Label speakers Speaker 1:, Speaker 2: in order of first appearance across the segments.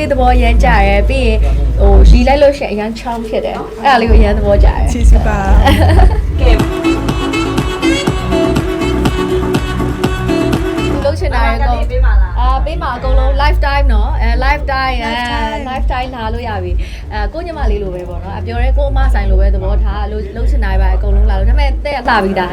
Speaker 1: သဘောရမ်းကြရဲပြီးရင်ဟိုရီလိုက်လို့ရှိရင်အရန်ချောင်းဖြစ်တယ်အဲ့ဒါလေးကိုအရန်သဘောကြရဲ
Speaker 2: ချီစုပါ
Speaker 3: ကဲ
Speaker 1: လုံးချင်တာရဲ့ကောပေးမှာအကုန်လုံး lifetime เนาะlifetime lifetime လာလို့ရပြီကိုညမလေးလိုပဲပေါ့နော်ပြောရဲကိုအမဆိုင်လိုပဲသဘောထားလုံးချင်တာပဲအကုန်လုံးလာလို့ဒါပေမဲ့တဲ့ရလာပြီးသား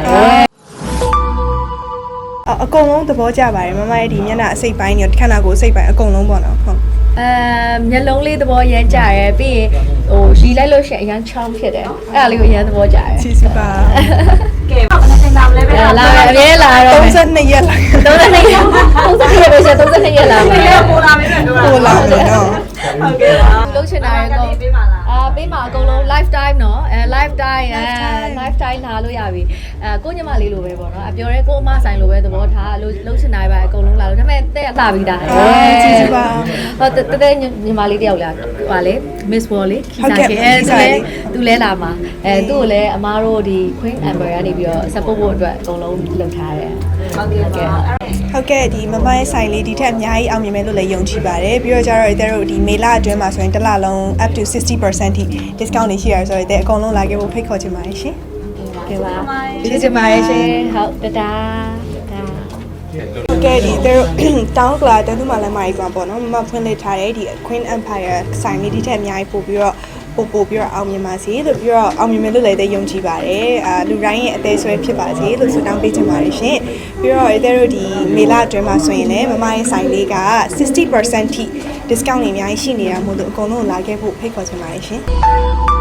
Speaker 2: အကုန်လုံးသဘောကျပါတယ်မမရဲ့ဒီမျက်နှာအစိတ်ပိုင်းနဲ့ခန္ဓာကိုယ်အစိတ်ပိုင်းအကုန်လုံးပေါ့နော်ဟုတ်
Speaker 1: မျက်လုံးလေးသဘောရမ်းကြရဲပြီးရင်ဟိုရီလိုက်လို့ရှိရင်အရန်ချောင်းဖြစ်တယ်အဲ့ဒါလေးကိုအရန်သဘောကြရဲ
Speaker 2: ချီစုပါ
Speaker 3: ကဲဘာနဲ့နာမလဲပဲ
Speaker 1: လာအမြဲလာတော့
Speaker 2: 32ရက်လာ
Speaker 1: 32ရက်ပဲဆို32ရက်လာမယ်
Speaker 3: ပိုလာမယ်တော့
Speaker 2: ပိုလာမယ်နော်
Speaker 3: ဟုတ်ကဲ့ပါ
Speaker 1: လုံးချင်တာရဲ့ကောပေးမှာအကုန်လုံး lifetime เนาะlifetime lifetime လာလို့ရပြီကိုညမလေးလိုပဲပေါ့နော်ပြောရဲကိုအမဆိုင်လိုပဲသဘောထားလုံးချင်တာပဲအကုန်လုံးလာလို့ဒါပေမဲ့တဲ့လာပြီးသား
Speaker 2: ချီစုပါ
Speaker 1: ဟောတဲ့ညီမလေးတယောက်လာဟာလေ Miss Wall လေခီစာကေသူလဲလာမှာသူ့ကိုလည်းအမားတို့ဒီ Queen Amber ကနေပြီးတော့ support ဖို့အတွက်အကုန်လုံးလုပ်ထားတယ်
Speaker 3: ဟုတ်ကဲ့ပါ
Speaker 2: ဟုတ်ကဲ့ဒီမမရဲ့ဆိုင်လေးဒီထက်အများကြီးအောင်မြင်မယ်လို့လည်းယုံကြည်ပါတယ်ပြီးတော့ကျတော့တို့ဒီမေလအတွင်းမှာဆိုရင်တစ်လလုံး up to 60% ထိ discount တွေရှိရဆိုတော့အကုန်လုံးလာခဲ့ဖို့ဖိတ်ခေါ်ချင်ပါတယ်ရှင်
Speaker 1: ကဲပါကျေးဇူးပါတယ်ရှင်ဟုတ်တဒါ
Speaker 2: ဟုတ်ကဲ့ဒီတို့တောင်းကလာတန်းသူမှလည်းမာကြီးပေါ့နော်မမဖွင့်လှစ်ထားတဲ့ဒီ Queen Empire ဆိုင်လေးဒီထက်အများကြီးပို့ပြီးတော့အောင်မြင်ပါစေလို့ပြီးတော့အောင်မြင်မယ်လို့လည်းယုံကြည်ပါတယ်လူတိုင်းရဲ့အသေးဆွဲဖြစ်ပါစေလို့ဆုတောင်းပေးချင်ပါတယ်ရှင်ပြီးတော့တို့ဒီမေလအတွင်းမှာဆိုရင်လည်းမမရဲ့ဆိုင်လေးက 60% ထိ discount တွေအများကြီးရှိနေတာမို့လို့အကုန်လုံးလာခဲ့ဖို့ဖိတ်ခေါ်ချင်ပါတယ်ရှင်